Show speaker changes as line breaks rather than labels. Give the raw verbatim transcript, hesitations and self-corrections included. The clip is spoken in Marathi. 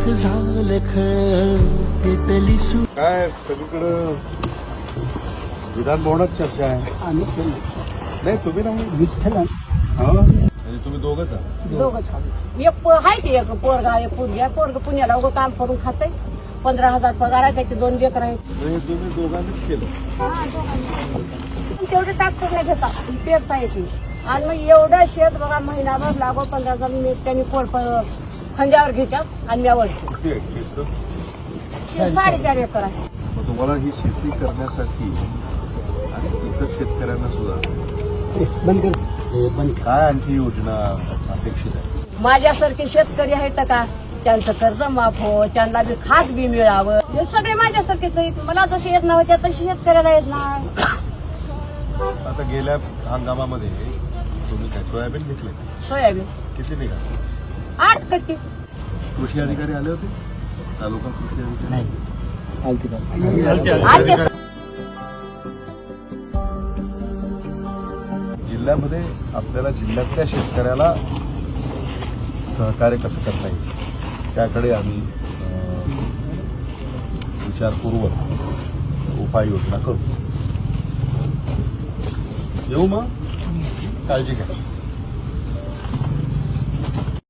लाख झालं खळ पेटली सु
काय सगळीकडं विधान भवनात चर्चा आहे.
आम्ही
नाही तुम्ही नाही
विठ्ठल
हो म्हणजे तुम्ही दोघंच आहात.
दोघंच खाऊ. एक पो- आहे की एक पोरगा एक पोरगी पोरग पुण्याला उगं काम करून खाते. पंधरा हजार पगार आहे त्याचे दोन लेकर आहेत.
म्हणजे तुम्ही दोघांनीच केलं.
तेवढे टाकतो नाही घेता पेरता येते आणि मग एवढं शेत बघा महिनाभर लागो पंधरा हजार मी त्यांनी पोर खंड्यावर घेतात आणि मी वळतो.
किती आहे क्षेत्र?
साडेचार एकर आहे.
मग तुम्हाला ही शेती करण्यासाठी आणि इतर शेतकऱ्यांना सुद्धा
बंद कर हे बंद कर.
काय आणखी योजना अपेक्षित आहे?
माझ्यासारखे शेतकरी आहेत का त्यांचं कर्ज माफ हो त्यांना बी खात बी मिळावं हे सगळे माझ्यासारखेच आहेत. मला जसे येत नव्हत्या तशी शेतकऱ्याला येत नाही.
आता गेल्या हंगामामध्ये तुम्ही काय सोयाबीन घेतले?
सोयाबीन
किती निघाले?
आठ कट्टी.
कृषी अधिकारी आले होते? तालुका कृषी अधिकारी
नाही आलती का?
आजचे
जिल्ह्यामध्ये आपल्याला जिल्ह्यातल्या शेतकऱ्याला सहकार्य कसं करता येईल त्याकडे आम्ही अं, विचारपूर्वक उपाययोजना करू. येऊ मग काळजी घ्या.